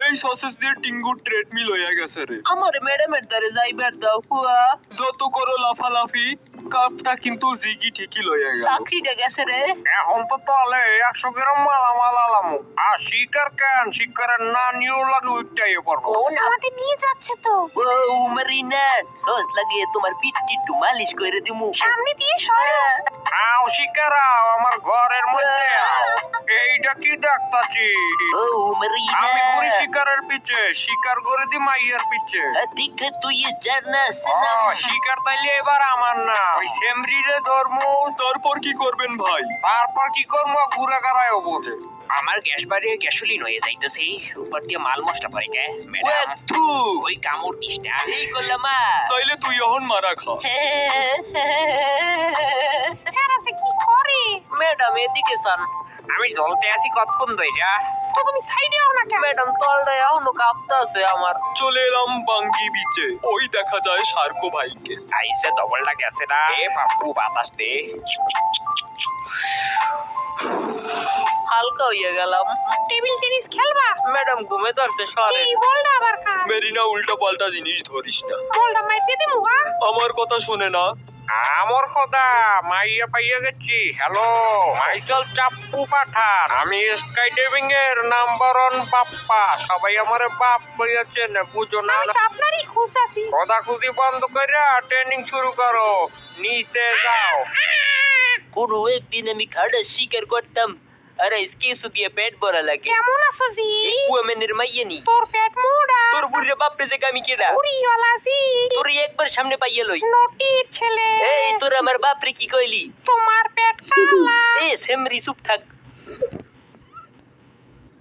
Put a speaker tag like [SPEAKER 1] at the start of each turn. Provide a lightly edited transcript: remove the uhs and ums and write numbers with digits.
[SPEAKER 1] এই সসেস দিয়ে টিঙ্গু ট্রেডমিল হয়ে গেছে রে।
[SPEAKER 2] আমার ম্যাডামের দ্বারে যাইবার দাও হুয়া।
[SPEAKER 1] যত করো লাফালাফি, কাপটা কিন্তু জিগি ঠিকই লইয়া গেল।
[SPEAKER 2] চাকরিটা গেছে রে।
[SPEAKER 3] এখন তো তাহলে 100 গ্রাম মালামাল আলামো। আর শিকার কেন? শিকারের না নিয়েও লাগে উঠটাই পড়বো।
[SPEAKER 2] আমাদের নিয়ে যাচ্ছে তো।
[SPEAKER 4] ও মারিনা, সস লাগিয়ে তোমার পিঠ একটু মালিশ করে দিমু।
[SPEAKER 2] সামনে দিয়ে সরো।
[SPEAKER 3] আও শিকার আও, আমার ঘরের মধ্যে আও। এইটা কি দেখতাছি?
[SPEAKER 4] ও মারিনা,
[SPEAKER 3] আমি ঘুরি শিকারের পিছে, শিকার করে দি মাইয়ের পিছে।
[SPEAKER 4] ঠিক তুই জানা
[SPEAKER 3] ও,
[SPEAKER 4] সালাম।
[SPEAKER 3] শিকার তাইলে এবার আমার না, ওই সেমরিরে ধর্মু।
[SPEAKER 1] তারপর কি করবেন ভাই?
[SPEAKER 3] তারপর কি করবো? ঘুরে গাড়ায় বোঝে।
[SPEAKER 5] আমার গ্যাস বাড়িয়ে গ্যাসোলিন হয়ে যাইতেছে, উপর দিয়ে মাল মশলা পড়ে গে ম্যাডাম।
[SPEAKER 1] থু,
[SPEAKER 5] ওই কামড় দিস না।
[SPEAKER 4] এই করলাম
[SPEAKER 1] তাইলে তুই এখন মারা খা।
[SPEAKER 2] এরাছে কি করে?
[SPEAKER 4] ম্যাডাম এদিকে সান।
[SPEAKER 5] আমি জ্বলতে আছি কতক্ষণ ধইরা।
[SPEAKER 2] তো তুমি সাইডে আও না কেন?
[SPEAKER 4] ম্যাডাম তলটা এখনো কাঁপতাছে আমার।
[SPEAKER 1] চলে এলাম বাঙ্গি বিচে, ওই দেখা যায় সার্কো ভাইকে।
[SPEAKER 5] আইসে ডবলটা গেছে না। এ বাপু বাতাস দে।
[SPEAKER 4] হালকা হইয়া গেলাম।
[SPEAKER 2] টেবিল টেনিস খেলবা?
[SPEAKER 4] ম্যাডাম ঘুমে ধরছে সরে।
[SPEAKER 2] এই বলটা আবার কার?
[SPEAKER 1] মেরিনা, উল্টা পাল্টা জিনিস ধরিস না।
[SPEAKER 2] বলটা মাইতে দিমু হা?
[SPEAKER 1] আমার কথা শোনে না।
[SPEAKER 3] আমার কথা মাইয়া পাইয়া গেছি। হ্যালো, মাইসেল চাপ্পু পাঠান। আমি স্কাই ডাইভিং এর নাম্বার 1 বাপ্পা। সবাই আমারে বাপ কইয়াছেন, বুঝো না?
[SPEAKER 2] আমি তো আপনারই খুঁজতাছি।
[SPEAKER 3] খোদাখুদি বন্ধ করে ট্রেনিং শুরু করো। নিচে যাও।
[SPEAKER 4] কোনো একদিন আমি খাড়া শিকার করতাম, আর কিছু দিয়ে পেট ভরা লাগে।
[SPEAKER 2] কেমন আছো জি?
[SPEAKER 4] কুয়ামেনের মাইয়া নি।
[SPEAKER 2] তোর পেট মোড়া।
[SPEAKER 4] তোর বুড়িরে বাপরে যে আমি কেডা?
[SPEAKER 2] উড়িওয়ালা জি।
[SPEAKER 4] তোর একবার সামনে পাইয়া লই।
[SPEAKER 2] নটির ছেলে।
[SPEAKER 4] এই তোর আমার বাপরে কি কইলি?
[SPEAKER 2] তোমার পেট কালা।
[SPEAKER 4] এ সেমরি চুপ থাক।